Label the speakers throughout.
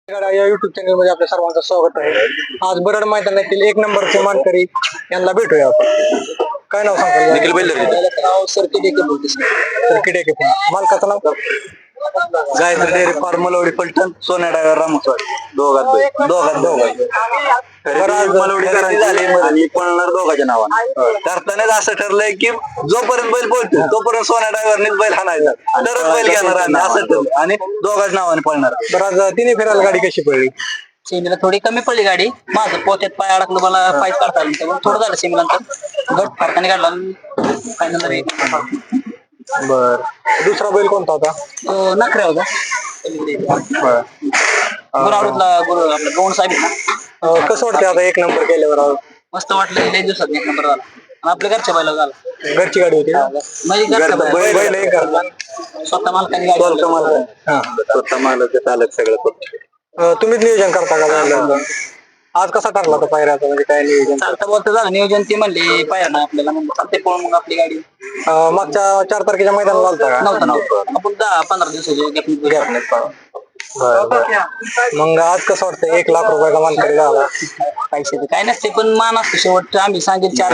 Speaker 1: या YouTube channel मध्ये आपल्या सर्वांचं स्वागत आहे. आज बरड मैदानातील एक नंबरचे मानकरी यांना भेटूया आपण. काय नाव सांगाल?
Speaker 2: निखिल बैलरे.
Speaker 1: नाव सर्किट एके मालकाचं नाव
Speaker 2: Gayatri dairy farm Malwadi Phaltan Sonya driver रामस्वाड दोघात मलवडी करायची झाली आणि पळणार दोघांच्या नावाने. करतानाच असं ठरलंय की जोपर्यंत बैल बोलतो तोपर्यंत सोन्या ड्रायव्हरनेच बैल हाणायचा, तरच बैल घेणार आम्ही असं ठरलं आणि दोघांच्या नावाने पळणार.
Speaker 1: बरं, आज तिन्ही फेरायला गाडी कशी पडली?
Speaker 3: सेमीला थोडी कमी पडली गाडी, माझं पोत्यात पाय अडकलं, मला पाय काढता आलं त्यामुळे थोडं झालं सेमीला, नंतर गट फरकाने काढला फायनल.
Speaker 1: बर, दुसरा बैल कोणता होता?
Speaker 3: नखरे होता गुरु आपला गौण साहेब ना.
Speaker 1: कसं वाटतं आता एक नंबर केल्यावर?
Speaker 3: मस्त वाटलं, लई दिवसात एक नंबर झाला आणि आपल्या घरच्या बैला झाला.
Speaker 1: घरची गाडी होती
Speaker 3: म्हणजे घरच्या बैल स्वतः मालकाने गाडी
Speaker 2: स्वतः मालक चालक सगळं.
Speaker 1: तुम्हीच नियोजन करता का बैलाचं? आज कसा ठरला होता पायऱ्याचा, म्हणजे काय नियोजन?
Speaker 3: चालता बोलता झालं नियोजन, ते म्हणले पाहिजे ना आपल्याला, म्हणजे चालते पळून मग आपली गाडी.
Speaker 1: मागच्या 4 तारखेच्या मैदानाला आलता का?
Speaker 3: नव्हतं आपण 10-15 दिवसाची
Speaker 1: मग आज कसं वाटतं 1 लाख रुपयाचा मानकरी झाला?
Speaker 3: पैसे तर काय नसते, पण मान असतो शेवट. आम्ही सांगेल 4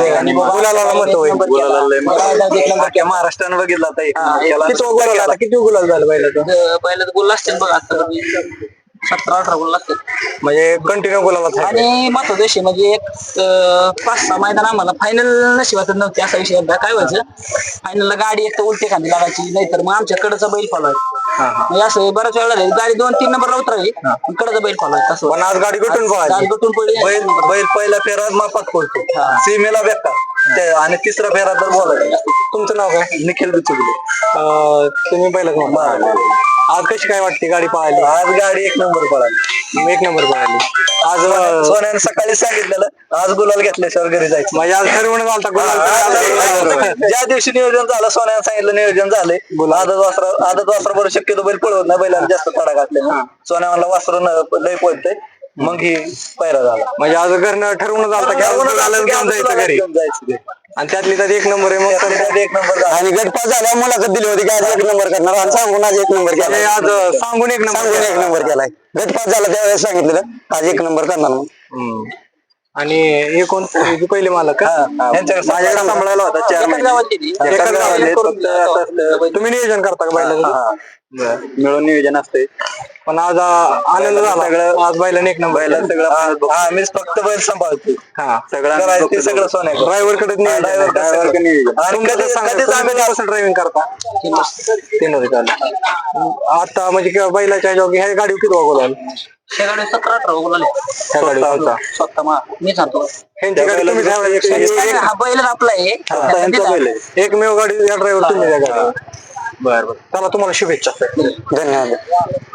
Speaker 2: महाराष्ट्रानं बघितला
Speaker 1: किती गुलाल झालं बैलाचं?
Speaker 3: बैलात गुल असतील बघा, आता 17-18 गुल असतील
Speaker 1: म्हणजे कंटिन्यू गुलाला.
Speaker 3: आणि महत्वाचा विषय म्हणजे एक 5-6 मैदान आम्हाला फायनल नशिबातच नव्हते. असा विषय एकदा काय व्हायचं, फायनलला गाडी एक तर उलटी खाली लागायची, नाहीतर मग आमच्याकडचा बैल फॉलोय. म्हणजे असं बऱ्याच वेळा गाडी 2-3 नंबरला उतरावी, कडचा बैल फॉलोय. तसं
Speaker 1: पण आज गाडी गटून
Speaker 3: गाडी गटून पडली.
Speaker 2: बैल पहिला फेरा मापात पडतो, सीमेला बेकार, आणि तिसरा फेरा तर बोलायचं.
Speaker 1: तुमचं नाव काय?
Speaker 2: निखिल बिचुगले.
Speaker 1: तुम्ही पहिलाच म्हणता. आज कशी काय वाटते गाडी पळाली?
Speaker 2: आज गाडी 1 नंबर पळाली.
Speaker 1: 1 नंबर पळाली.
Speaker 2: आज सोन्याने सकाळी सांगितलेलं आज गुलाल घेतल्याशिवाय घरी जायचं.
Speaker 1: म्हणजे आज ठरवून झालता गुलाल.
Speaker 2: ज्या दिवशी नियोजन झालं सोन्याने सांगितलं नियोजन झालंय, आदत वासरा बरोबर शक्यतो बैल पळवत नाही, बैलाला जास्त तडा घातले. सोन्या म्हणला वासरू लय पळतंय, मग ही पैरा झाला.
Speaker 1: म्हणजे आज घरनं ठरवून झालता की आज गुलाल घेऊन जायचं घरी, आणि त्यातली त्यात 1 नंबर आहे. मग
Speaker 2: 1 नंबर
Speaker 1: आणि गटपास झाल्या मुलाखत दिली होती की आज 1 नंबर करणार, आणि सांगून आज 1 नंबर केला. आज सांगून 1 नंबर केलाय. गटपास झाला त्यावेळेस सांगितलेलं आज 1 नंबर करणार. आणि हे कोण पहिले मालक
Speaker 2: माझ्याकडे सांभाळायला होता 4 महिने.
Speaker 1: तुम्ही नियोजन करता का बैलाचं?
Speaker 2: मिळून नियोजन असते.
Speaker 1: पण आज आनंद झाला सगळं. आज बैलाने 1 नंबर
Speaker 2: सगळं मीच फक्त बैल सांभाळतो. सगळं ते सगळं सोन्या
Speaker 1: ड्रायव्हर कडे ड्रायव्हिंग करता. 3 वर्ष आता म्हणजे बैलाच्या ह्या गाडी किती वागवला?
Speaker 3: त्या गाडी 17-18 गुलाल स्वतः मी सांगतो. हा बैल आपला आहे,
Speaker 1: एकमेव गाडी या ड्रायव्हर तुम्ही. बरं, चला तुम्हाला शुभेच्छा.
Speaker 2: धन्यवाद.